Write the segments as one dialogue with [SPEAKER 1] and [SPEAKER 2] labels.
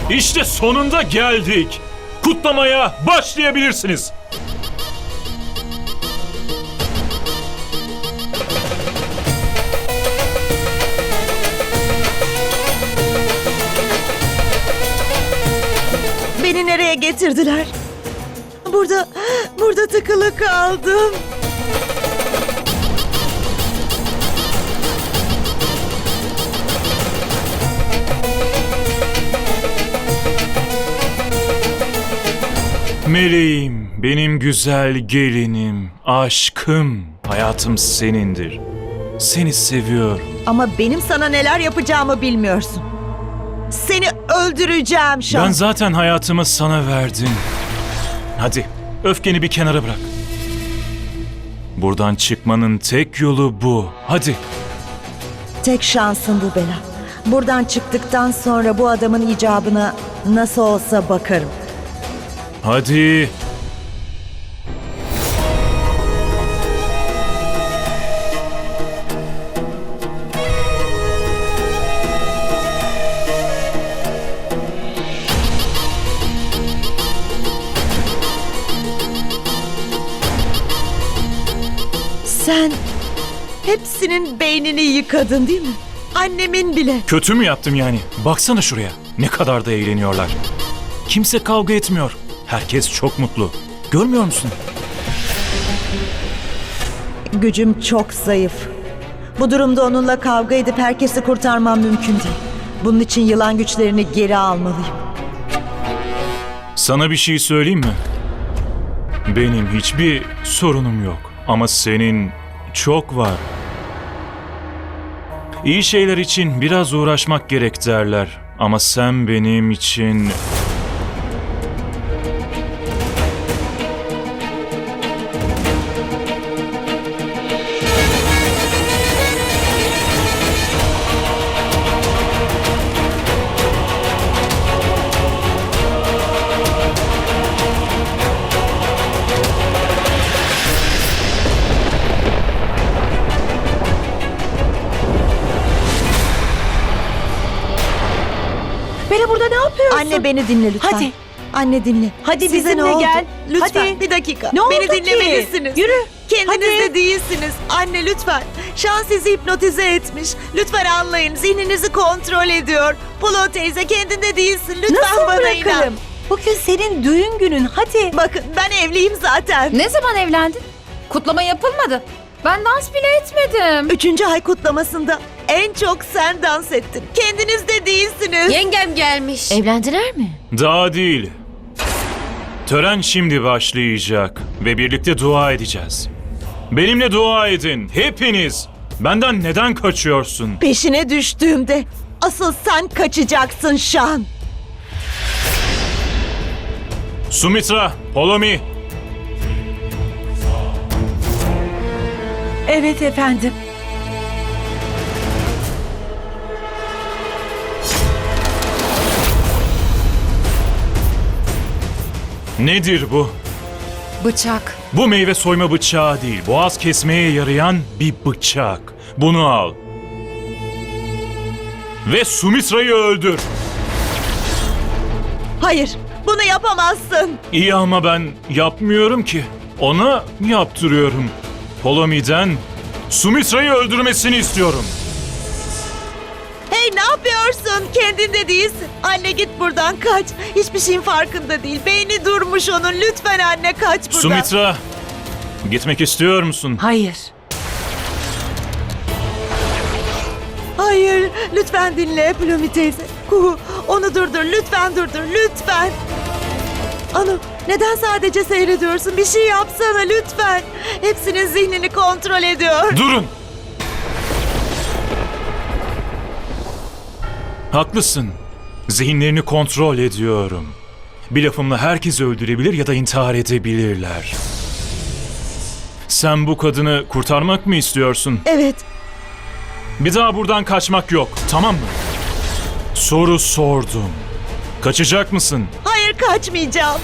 [SPEAKER 1] İşte sonunda geldik. Kutlamaya başlayabilirsiniz.
[SPEAKER 2] Beni nereye getirdiler? Burada tıkılı kaldım.
[SPEAKER 1] Meleğim, benim güzel gelinim, aşkım, hayatım senindir. Seni seviyorum.
[SPEAKER 2] Ama benim sana neler yapacağımı bilmiyorsun. Seni öldüreceğim Şan.
[SPEAKER 1] Ben zaten hayatımı sana verdim. Hadi, öfkeni bir kenara bırak. Buradan çıkmanın tek yolu bu. Hadi.
[SPEAKER 2] Tek şansın bu Bela. Buradan çıktıktan sonra bu adamın icabına nasıl olsa bakarım.
[SPEAKER 1] Hadi.
[SPEAKER 2] Sen hepsinin beynini yıkadın değil mi? Annemin bile.
[SPEAKER 1] Kötü mü yaptım yani? Baksana şuraya. Ne kadar da eğleniyorlar. Kimse kavga etmiyor. Herkes çok mutlu. Görmüyor musun?
[SPEAKER 2] Gücüm çok zayıf. Bu durumda onunla kavga edip herkesi kurtarmam mümkün değil. Bunun için yılan güçlerini geri almalıyım.
[SPEAKER 1] Sana bir şey söyleyeyim mi? Benim hiçbir sorunum yok. Ama senin çok var. İyi şeyler için biraz uğraşmak gerek derler. Ama sen benim için...
[SPEAKER 3] Bela burada ne yapıyorsun?
[SPEAKER 2] Anne beni dinle lütfen.
[SPEAKER 3] Hadi.
[SPEAKER 2] Anne dinle.
[SPEAKER 3] Hadi
[SPEAKER 2] Size
[SPEAKER 3] bizimle
[SPEAKER 2] ne oldu?
[SPEAKER 3] gel.
[SPEAKER 2] Lütfen
[SPEAKER 3] Hadi.
[SPEAKER 2] bir dakika.
[SPEAKER 3] Ne oldu
[SPEAKER 2] beni
[SPEAKER 3] ki?
[SPEAKER 2] dinlemelisiniz.
[SPEAKER 3] Yürü.
[SPEAKER 2] Kendiniz
[SPEAKER 3] Hadi.
[SPEAKER 2] de değilsiniz. Anne lütfen. Şan sizi hipnotize etmiş. Lütfen anlayın. Zihninizi kontrol ediyor. Pulo teyze kendinde değilsin. Lütfen
[SPEAKER 3] Nasıl
[SPEAKER 2] bana
[SPEAKER 3] bırakırım?
[SPEAKER 2] inan.
[SPEAKER 3] Bugün senin düğün günün. Hadi.
[SPEAKER 2] Bakın ben evliyim zaten.
[SPEAKER 4] Ne zaman evlendin? Kutlama yapılmadı. Ben dans bile etmedim.
[SPEAKER 2] 3. ay kutlamasında en çok sen dans ettin. Kendiniz de değilsiniz.
[SPEAKER 5] Yengem gelmiş.
[SPEAKER 4] Evlendiler mi?
[SPEAKER 1] Daha değil. Tören şimdi başlayacak ve birlikte dua edeceğiz. Benimle dua edin, hepiniz. Benden neden kaçıyorsun?
[SPEAKER 2] Peşine düştüğümde asıl sen kaçacaksın Şan.
[SPEAKER 1] Sumitra, Polomi,
[SPEAKER 3] Evet efendim.
[SPEAKER 1] nedir bu?
[SPEAKER 4] Bıçak.
[SPEAKER 1] Bu meyve soyma bıçağı değil, boğaz kesmeye yarayan bir bıçak. Bunu al. Ve Sumitra'yı öldür.
[SPEAKER 2] Hayır, bunu yapamazsın.
[SPEAKER 1] İyi ama ben yapmıyorum ki. Ona yaptırıyorum. Polomi'den Sumitra'yı öldürmesini istiyorum.
[SPEAKER 2] Hey ne yapıyorsun? Kendinde değilsin. Anne git buradan kaç. Hiçbir şeyin farkında değil. Beyni durmuş onun. Lütfen anne kaç buradan.
[SPEAKER 1] Sumitra, gitmek istiyor musun?
[SPEAKER 3] Hayır.
[SPEAKER 2] Hayır, lütfen dinle Plomi teyze. Kuhu, onu durdur. Lütfen durdur. Lütfen. Anu, neden sadece seyrediyorsun? Bir şey yapsana lütfen. Hepsinin zihnini kontrol ediyor.
[SPEAKER 1] Durun! Haklısın. Zihinlerini kontrol ediyorum. Bir lafımla herkesi öldürebilir ya da intihar edebilirler. Sen bu kadını kurtarmak mı istiyorsun?
[SPEAKER 2] Evet,
[SPEAKER 1] Bir daha buradan kaçmak yok, tamam mı? Soru sordum. Kaçacak mısın?
[SPEAKER 2] hayır kaçmayacağım.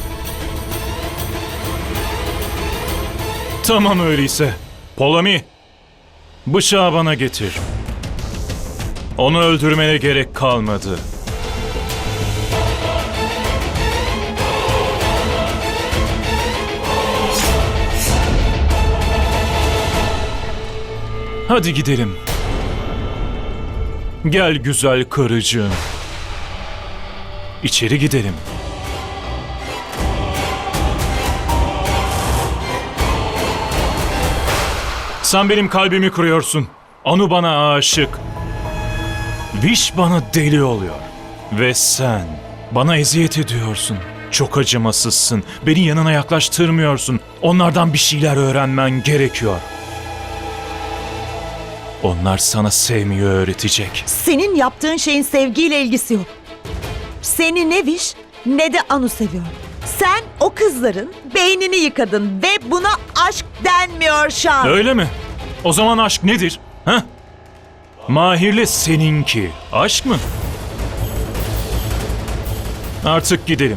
[SPEAKER 1] Tamam öyleyse. Polomi, bıçağı bana getir. Onu öldürmene gerek kalmadı. Hadi gidelim. Gel güzel karıcığım. İçeri gidelim. Sen benim kalbimi kırıyorsun. Anu bana aşık. Viş bana deli oluyor. Ve sen bana eziyet ediyorsun. Çok acımasızsın. Beni yanına yaklaştırmıyorsun. Onlardan bir şeyler öğrenmen gerekiyor. Onlar sana sevmeyi öğretecek.
[SPEAKER 2] Senin yaptığın şeyin sevgiyle ilgisi yok. Seni ne Viş ne de Anu seviyor. Sen o kızların beynini yıkadın ve buna aşk denmiyor Şan.
[SPEAKER 1] Öyle mi? O zaman aşk nedir? Ha? Mahir'le seninki aşk mı? Artık gidelim.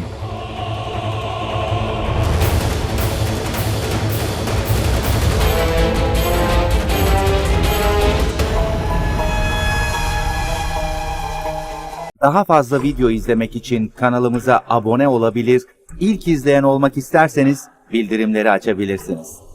[SPEAKER 5] Daha fazla video izlemek için kanalımıza abone olabilir, ilk izleyen olmak isterseniz bildirimleri açabilirsiniz.